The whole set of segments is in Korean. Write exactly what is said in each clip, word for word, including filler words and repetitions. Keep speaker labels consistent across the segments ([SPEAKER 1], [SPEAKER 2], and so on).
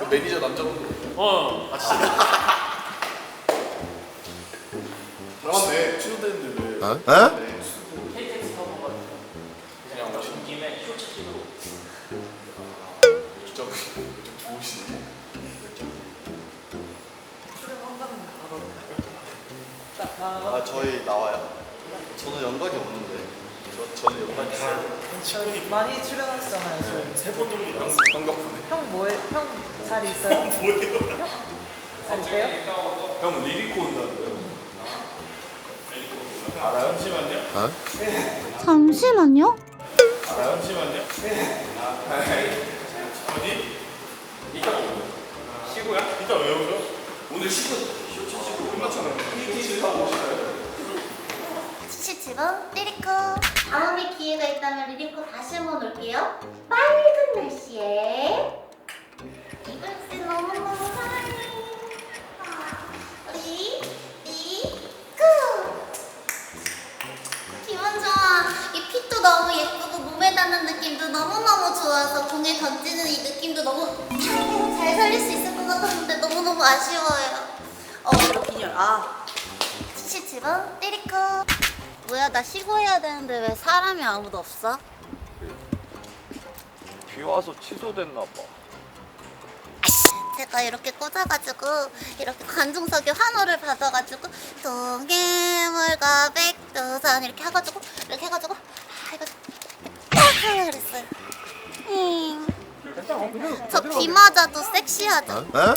[SPEAKER 1] 매니저 남자분.
[SPEAKER 2] 어. 아 진짜.
[SPEAKER 1] 잘맞네. 취소됐는데 왜?
[SPEAKER 3] 어? 어?
[SPEAKER 1] 네.
[SPEAKER 2] 케이티엑스 타고 가가지고 그냥 오신 김에 쇼츠 찍으러.
[SPEAKER 1] 진짜 좀 좋으시네.
[SPEAKER 4] 아 저희 나와요? 저는 연락이 없는데. 저 저는 연락이 있어요.
[SPEAKER 5] 많이 출연하시잖아요. 지금.
[SPEAKER 2] 세번 정도 나왔어.
[SPEAKER 1] 반갑네.
[SPEAKER 5] 형 뭐해? 형 잘 있어요?
[SPEAKER 2] 뭐예요?
[SPEAKER 5] 잘 있어요?
[SPEAKER 2] 형 리리코 온다는데요? 알아요? 잠시만요.
[SPEAKER 3] 어?
[SPEAKER 6] 잠시만요.
[SPEAKER 2] 알아요? 잠시만요. 어디? 이따 오고. 쉬고요? 이따 왜 오죠? 오늘 쉬고 쇼츠 찍고 끝났잖아요. 쇼츠 타고 오시나요?
[SPEAKER 6] 치치치보 리리코. 다음에 기회가 있다면 리리코 다시 한번 올게요. 맑은 날씨에 이글스 너무너무 사랑해. 우리 리리코. 기분 좋아. 이 핏도 너무 예쁘고 몸에 닿는 느낌도 너무너무 좋아서 공에 던지는 이 느낌도 너무 잘 살릴 수 있을 것 같았는데 너무너무 아쉬워요. 어 이렇게 아 치치치보 리리코. 뭐야 나 쉬고 해야 되는데 왜 사람이 아무도 없어?
[SPEAKER 4] 비 와서 취소됐나 봐.
[SPEAKER 6] 제가 이렇게 꽂아가지고 이렇게 관중석에 환호를 받아가지고 동해물과 백두산 이렇게 해가지고 이렇게 해가지고 아 이거 딱 하려 그랬어요. 음. 저 비 맞아도 섹시하죠?
[SPEAKER 3] 어? 어?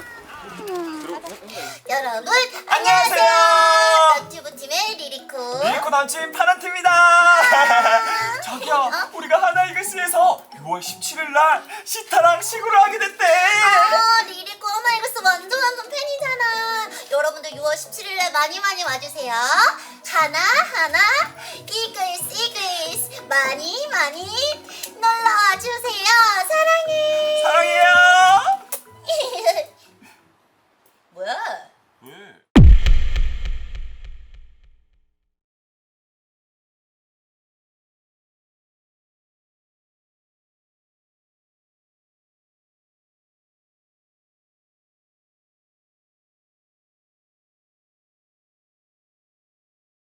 [SPEAKER 6] 여러분
[SPEAKER 7] 안녕하세요.
[SPEAKER 6] 너튜브 팀의 리리코.
[SPEAKER 7] 리리코 남친 파란팀입니다. 저기요, 우리가 하나이글스에서 유월 십칠일 날 시타랑 시구를 하게 됐대.
[SPEAKER 6] 아, 리리코 하나이글스 완전 완전 팬이잖아. 여러분들 유월 십칠일에 많이 많이 와주세요. 하나 하나 이글스 이글스 많이 많이 놀러 와주세요.